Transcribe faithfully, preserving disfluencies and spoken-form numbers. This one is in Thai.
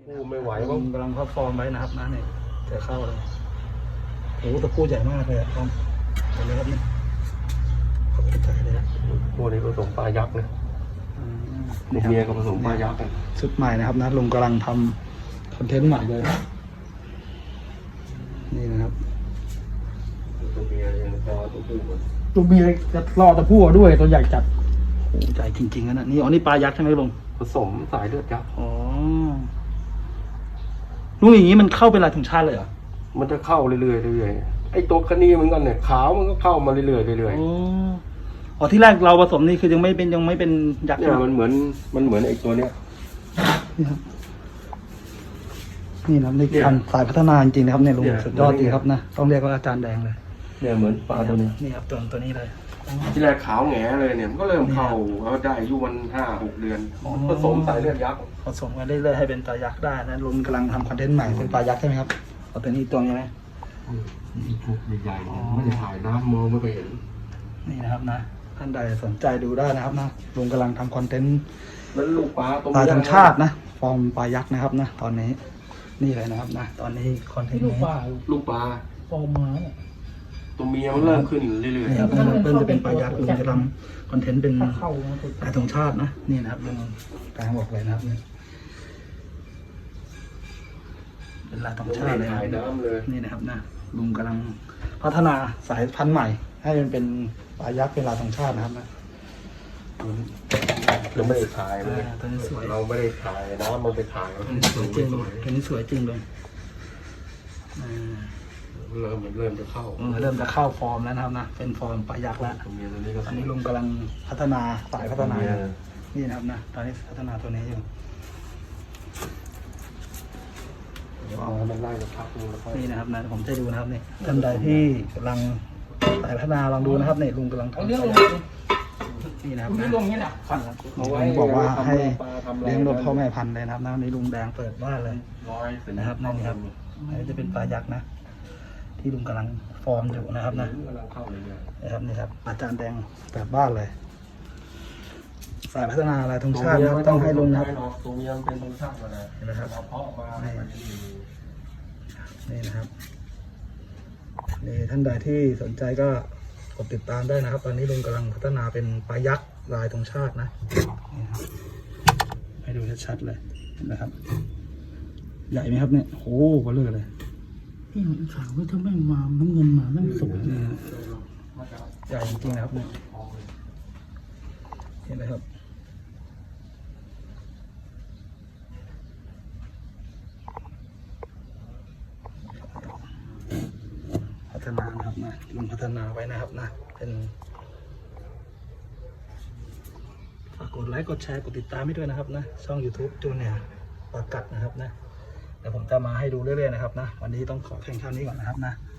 โอ้ไม่ไหวกว่าำลังพับฟอร์มไว้นะครับนะเนี่ยเจอเข้าเลยโอ้ตะปูใหญ่มากเลยอะครับเห็นไหมครับเนี่ยเขาไปถ่ายเลยนะพวกนี้ผสมปลายักษ์นะอืมลูกเมียก็ผสมปลายักษ์กันชุดใหม่นะครับนะลุงกำลังทำคอนเทนต์ใหม่เลยนี่นะครับตัวเมียยังพอตัวผู้หมดตัวเมียจะรอตะปูด้วยตัวใหญ่จัดโอ้ใหญ่จริงๆนะนี่อ๋อนี่ปลายักษ์ใช่ไหมลุงผสมสายเลือดยักษ์อ๋อลุงอย่างนี้มันเข้าเป็นลายธงชาติเลยเหรอมันจะเข้าเรื่อยๆเรื่อยๆไอ้ตัวคณีเหมือนกันเนี่ยขาวมันก็เข้ามาเรื่อยๆเรื่อยอ๋ออ๋อที่แรกเราผสมนี่คือยังไม่เป็นยังไม่เป็นยักๆษ์เนี่ยมันเหมือนมันเหมือนไอ้ตัวเนี้ยนี่ครับนี่นะครับในการสายพัฒนาจริงๆนะครับเนี่ยลุงสุดยอดจริงครับนะต้องเรียกว่าอาจารย์แดงเลยเนี่ยเหมือนปลาตัวนี้นี่ครับตัวตัวนี้เลยที่แรกขาวแหงเลยเนี่ยมันก็เริ่มเข้าแล้วได้อายุมันห้าหกเดือนผสมสายเลือดยักษ์ผสมกันเรื่อยๆให้เป็นปลายักษ์ได้นะลุงกำลังทำคอนเทนต์ใหม่เป็นปลายักษ์ใช่ไหมครับเอาตัวนี้อีกตัวใช่ไหมชุดใหญ่ๆไม่ได้ถ่ายน้ำมองไม่ไปเห็นนี่นะครับนะท่านใดสนใจดูได้นะครับนะลุงกำลังทำคอนเทนต์แล้วลูกปลาตัวปลาเมียธงชาตินะฟอร์มปลายักษ์นะครับนะตอนนี้นี่เลยนะครับนะตอนนี้คอนเทนต์ลูกนี้ปลาลูกปลาฟอร์มม้าเนี่ยตัวเมียมันเริ่มขึ้นเรื่อยนี่ครับเพิ่มจะเป็นปลายักษ์ลุงจะทำคอนเทนต์เป็นถ้าเข้านะตัวปลาธงชาตินะนี่นะครับลุงกลางบอกเลยนะครับนี่เป็นลายธงๆชาติเลยถ่ายนะน้ำเลยนี่นะครับนะลุงกำลังพัฒนาสายพันธุ์ใหม่ ให้มันเป็นปลายักษ์เป็นลายธงชาตินะครับนะเราไม่ได้ถ่ายเลยอ่าตัวนี้สวยเราไม่ได้ถ่ายน้ำมันไปถ่ายมันสวยจริงสวยตัวนี้สวยจริงเลยอ่าเริ่มมันเริ่มจะเข้าเออเริ่มจะเข้าฟอร์มแล้วนะครับนะเป็นฟอร์มปลายักษ์แล้วตัวเมียตัวนี้ก็ตอนนี้ลุงกำลังพัฒนาสายพัฒนาตัวเมียนี่นะครับนะตอนนี้พัฒนาตัวนี้อยู่เดี๋ยวเอามันไล่จะพักนึงแล้วค่อยนี่นะครับนะผมจะดูนะครับนี่ท่านใดที่กำลังสายพัฒนาลองดูนะครับนี่ลุงกำลังเอาทำเรื่องลงนี่นะครับเรื่องลงเนี่ยนะลุงบอกว่าให้เลี้ยงรถพ่อแม่พันธุ์เลยนะครับนะวันนี้ลุงแดงเปิดบ้านเลยร้อยนะครับนั่นนี่ครับอันนี้จะเป็นปลายักษ์นะ ที่ลุงกำลังฟอร์มอยู่นะครับนะกำลังเข้าเลยเนี่ยนะครับนี่ครับอาจารย์แดงเปิดบ้านเลย สายพัฒนาอะไรธงชาตินะครับต้องให้ลุงนะครับตัวเมียมันเป็นธงชาติมาแล้วเห็นไหมครับเราเพาะมานี่นะครับนี่ท่านใดที่สนใจก็กดติดตามได้นะครับ ตอนนี้ลุงกำลังพัฒนาเป็นปลายักษ์ลายธงชาตินะนี่ครับให้ดูชัดๆเลยเห็นไหมครับ ใหญ่ไหมครับเนี่ยโอ้โหเบลอเลยพี่หนุ่มขาวว่าถ้าแม่งมาน้ำเงินมาแม่งสวยนี่ฮะใหญ่จริงๆนะครับเนี่ยเห็นไหมครับพัฒนานะครับนะลุงพัฒนาไว้นะครับนะเป็นฝากกดไลค์กดแชร์กดติดตามให้ด้วยนะครับนะช่อง YouTube จูเนียร์ปากัดนะครับนะเดี๋ยวผมจะมาให้ดูเรื่อยๆนะครับนะวันนี้ต้องขอแข่งขันนี้ก่อนนะครับนะ